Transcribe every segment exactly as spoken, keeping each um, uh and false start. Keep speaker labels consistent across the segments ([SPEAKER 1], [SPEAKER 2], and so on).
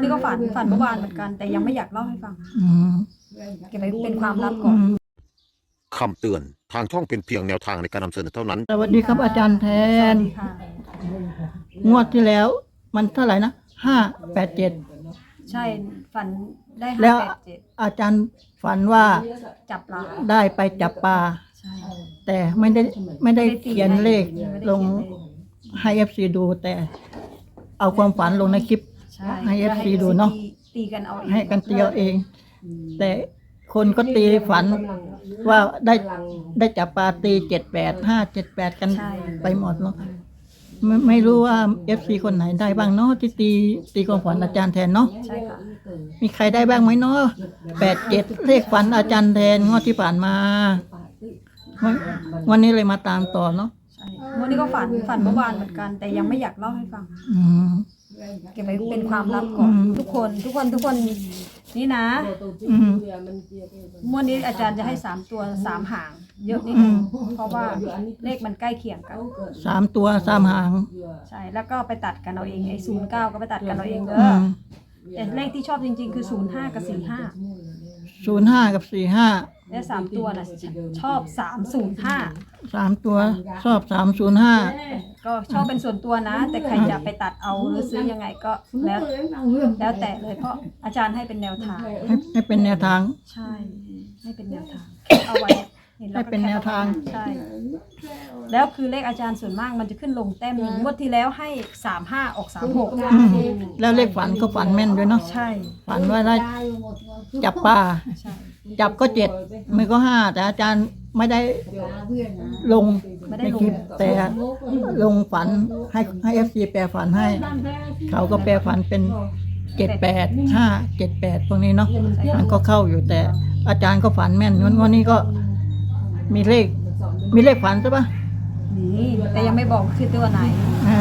[SPEAKER 1] นี้ก็ฝันฝันเมื่อวานเหมือนกันแต่ยังไม่อยากเล่าให้ฟัง
[SPEAKER 2] อืม
[SPEAKER 1] เก็บไว้เป็นความลับก่อน
[SPEAKER 3] คำเตือนทางช่องเป็นเพียงแนวทางในการนำเสนอเท่านั้น
[SPEAKER 2] สวัสดีครับอาจารย์แท
[SPEAKER 1] สวัน สดีค่ะ
[SPEAKER 2] งวดที่แล้ว มันเท่าไหร่นะห้าแปดเจ็ด
[SPEAKER 1] ใช่ฝันได้
[SPEAKER 2] แล้
[SPEAKER 1] ห้าว แปดเจ็ด
[SPEAKER 2] อาจารย์ฝันว่า
[SPEAKER 1] จับปลา
[SPEAKER 2] ได้ไปจับปลา
[SPEAKER 1] ใช่
[SPEAKER 2] แต่ไม่ได้ไม่ได้เขียนเลข
[SPEAKER 1] ไม่ได้
[SPEAKER 2] ลง
[SPEAKER 1] เขียนเลข
[SPEAKER 2] ให้เอฟซีดู แต่เอาความฝันลงในคลิป
[SPEAKER 1] ใช่
[SPEAKER 2] ให้ เอฟ ซี ดูเนาะ
[SPEAKER 1] ตีกันเอาเอง
[SPEAKER 2] ให้กันเตียวเอง แต่คนก็ตีฝันว่าได้ได้จับปลาตีเจ็ดแปดห้าเจ็ดแปดกัน
[SPEAKER 1] ใช่
[SPEAKER 2] ไปหมดเนาะไม่ไม่รู้ว่าเอฟซีคนไหนได้บ้างเนาะที่ตีตีความฝันอาจารย์แทนเนาะ
[SPEAKER 1] ใช่ค่ะ
[SPEAKER 2] มีใครได้บ้างไหมเนาะแปดเจ็ดเลขฝันอาจารย์แทนงวดที่ผ่านมาวันวันนี้เลยมาตามต่อเนาะ
[SPEAKER 1] ใช่วันนี้ก็ฝันฝันเมื่อวานเหมือนกัน แต่ยังไม่อยากเล่าให้ฟัง
[SPEAKER 2] อืม
[SPEAKER 1] เก็บไว้เป็นความลับก่อน
[SPEAKER 2] อืม
[SPEAKER 1] ทุกคนทุกคนทุกคนนี่นะ
[SPEAKER 2] อืม
[SPEAKER 1] เมื่อนี้อาจารย์จะให้สามตัวสามหาง เยอะนิดนึงเพราะว่าเลขมันใกล้เคียงกัน
[SPEAKER 2] สามตัวสามหาง
[SPEAKER 1] ใช่แล้วก็ไปตัดกันเอาเองไอ้ศูนย์เก้าก็ไปตัดกันเอาเองเด้
[SPEAKER 2] อื
[SPEAKER 1] อ
[SPEAKER 2] ม
[SPEAKER 1] แต่เลขที่ชอบจริงๆคือศูนย์ห้ากับสี่ห้า
[SPEAKER 2] ศูนย์ห้ากับสี่ห้า
[SPEAKER 1] และสามตัวน่ะชอบสามศูนย์ห้า
[SPEAKER 2] สามตัวชอบสามศูนย์ห้า
[SPEAKER 1] ก็ชอบเป็นส่วนตัวนะ แต่ใครจะไปตัดเอาหรือซื้อยังไงก็แล้วแล้วแต่เลยเพราะอาจารย์ให้เป็นแนวทาง
[SPEAKER 2] ให้ให้เป็นแนวทาง
[SPEAKER 1] ใช่ให้เป็นแนวทางเอาไว้ห็ล้
[SPEAKER 2] ให้
[SPEAKER 1] ก็
[SPEAKER 2] เป็นแนวทาง
[SPEAKER 1] ใช่แล้วคือเลขอาจารย์ส่วนมากมันจะขึ้นลงแต้มหนึ่งงวดที่แล้วให้สามห้าออกสามหก
[SPEAKER 2] อืมแล้วเลขฝันก็ฝันแม่นด้วยเนาะ
[SPEAKER 1] ใช่
[SPEAKER 2] ฝันว่าได้จับปลา
[SPEAKER 1] ใช่
[SPEAKER 2] จับก็เจ็ดไม่ก็ห้าแต่อาจารย์ไม่ได้ลงในคลิปแต่ลงฝันให้ให้เอฟซีแปลฝันให้ เขาก็แปลฝันเป็นเจ็ดแปดห้าเจ็ดแปดพวกนี้เนาะมันก็เข้าอยู่แต่อาจารย์ก็ฝันแม่นงั้นวันนี้ก็มีเลข มีเลขฝันใช่ปะ
[SPEAKER 1] นี่แต่ยังไม่บอกคือตัวไหน
[SPEAKER 2] อ่า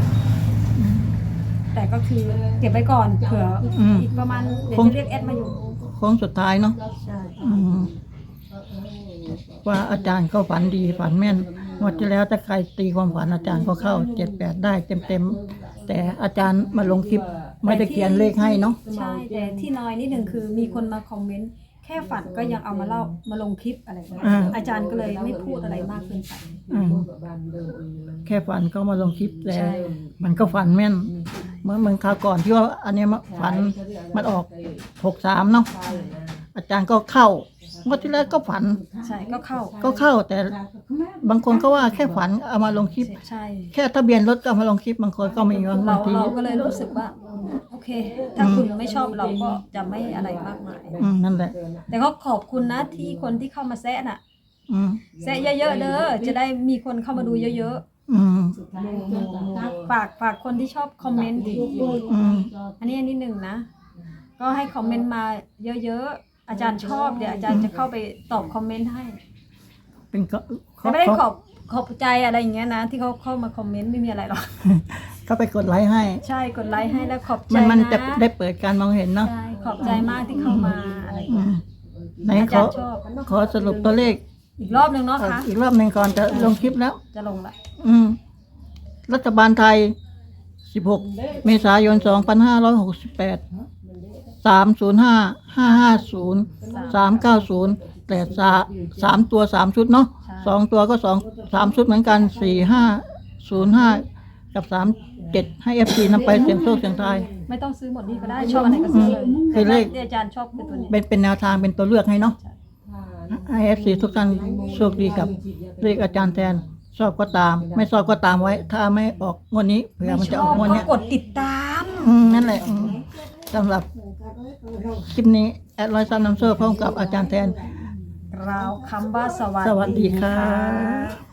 [SPEAKER 1] แต่ก็คือเก็บไว้ก่อนเผื่ออ
[SPEAKER 2] ม
[SPEAKER 1] อีกประมาณเดี๋ยว
[SPEAKER 2] คง
[SPEAKER 1] จะเรียกแอดมาอยู่
[SPEAKER 2] โค้งสุดท้ายเนาะ
[SPEAKER 1] ใช่
[SPEAKER 2] อืมว่าอาจารย์ก็ฝันดีฝันแม่นงวดที่แล้วถ้าใครตีความฝันอาจารย์ก็เข้าเจ็ดแปดได้เต็มเต็มๆแต่อาจารย์มาลงคลิปไม่ได้เขียนเลขให้เนาะ
[SPEAKER 1] ใช่แต่ที่น้อยนิดหนึ่งคือมีคนมาคอมเมนต์แค่ฝันก็ยังเอามาเล่ามาลงคลิปอะไรอย่างเงี้ย
[SPEAKER 2] อ่า
[SPEAKER 1] อาจารย์ก็เลยไม่พูดอะไรมากเกินไป
[SPEAKER 2] อืมแค่ฝันก็มาลงคลิปแต่
[SPEAKER 1] ใช่
[SPEAKER 2] มันก็ฝันแม่นเมื่อเมื่อคราวก่อนที่ว่าอันเนี้ยมาฝันมันออกหกสามเนาะอาจารย์ก็เข้างวดที่แล้วก็ฝัน
[SPEAKER 1] ใช่ก็เข้า
[SPEAKER 2] ก็เข้าแต่บางคนก็ว่าแค่ฝันเอามาลงคลิป
[SPEAKER 1] ใช่
[SPEAKER 2] แค่ทะเบียนรถก็เอามาลงคลิปบางคนก็มีบาง
[SPEAKER 1] เรา
[SPEAKER 2] ที
[SPEAKER 1] เราก็เลยรู้สึกว่าโอเค ถ้าคุณไม่ชอบเราก็จะไม่อะไรมากมาย
[SPEAKER 2] อืมนั่นแหละ
[SPEAKER 1] แต่ก็ขอบคุณนะที่คนที่เข้ามาแซะน่ะ
[SPEAKER 2] อืม
[SPEAKER 1] แซะเยอะๆเด้อจะได้มีคนเข้ามาดูเยอะ
[SPEAKER 2] อืม
[SPEAKER 1] ๆฝากฝากคนที่ชอบคอมเมนต์
[SPEAKER 2] อืม
[SPEAKER 1] อันนี้อันนี้หนึ่งนะ ก็ให้คอมเมนต์มาเยอะๆ อาจารย์ชอบเดี๋ยวอาจารย์จะเข้าไปตอบคอมเมนต์ให้
[SPEAKER 2] เป็นก็
[SPEAKER 1] แต่ไม่ได้ขอบขอบใจอะไรอย่างเงี้ยนะ ที่เขาเข้ามาคอมเมนต์ไม่มีอะไรหรอก
[SPEAKER 2] เขาไปกดไลค์ให้
[SPEAKER 1] ใช่กดไลค์ให้แล้วขอบใจ
[SPEAKER 2] มันมัน
[SPEAKER 1] นะ
[SPEAKER 2] จะได้เปิดการมองเห็นเนาะ
[SPEAKER 1] ใช่ขอบใจมากที่เข้ามาอะไรอย่าง
[SPEAKER 2] อื
[SPEAKER 1] เงี้ย
[SPEAKER 2] มไหน
[SPEAKER 1] อา
[SPEAKER 2] ข
[SPEAKER 1] จา
[SPEAKER 2] อ
[SPEAKER 1] รย์ชอบ
[SPEAKER 2] ขอสรุปตัวเลข
[SPEAKER 1] อีกรอบหนึ่งเนาะคะ
[SPEAKER 2] อีกรอบหนึ่งก่อนจะลงคลิปแล้ว
[SPEAKER 1] จะลงละ
[SPEAKER 2] อืม รัฐบาลไทย สิบหก เมษายน สองพันห้าร้อยหกสิบแปด สามศูนย์ห้า ห้าห้าศูนย์ สามเก้าศูนย์ แต่สาสามตัวสามชุดเนาะสองตัวก็สองสามชุดเหมือนกันสี่ห้าศูนย์ห้ากับสามเจ็ดให้เอฟซีนำไปเสียงโชคเสียงทาย
[SPEAKER 1] ไม่ต้องซื้อหมดนี่ก็ได้ชอบอันไหนก็ซื้อเลย
[SPEAKER 2] คือเลข
[SPEAKER 1] ที่อาจารย์ชอบเป็นตัวนี้
[SPEAKER 2] เป็นเป็นแนวทางเป็นตัวเลือกให้เนาะให้เอฟซีทุกท่านโชคดีกับเลขอาจารย์แทน ชอบก็ตาม ไม่ชอบก็ตามไว้ ถ้าไม่ออกงวดนี้เผื่อมันจะออกงวด
[SPEAKER 1] ก็
[SPEAKER 2] เนี้ย
[SPEAKER 1] กดติดตาม
[SPEAKER 2] อืมนั่นแหละอืมสำหรับคลิปนี้แอดร้อยซันน้ำโซ่พร้อมกับอาจารย์แทน
[SPEAKER 1] ราวคำว่าสวัส
[SPEAKER 2] สวัสดี
[SPEAKER 1] ดี
[SPEAKER 2] ครั
[SPEAKER 1] ค่ะ
[SPEAKER 2] บ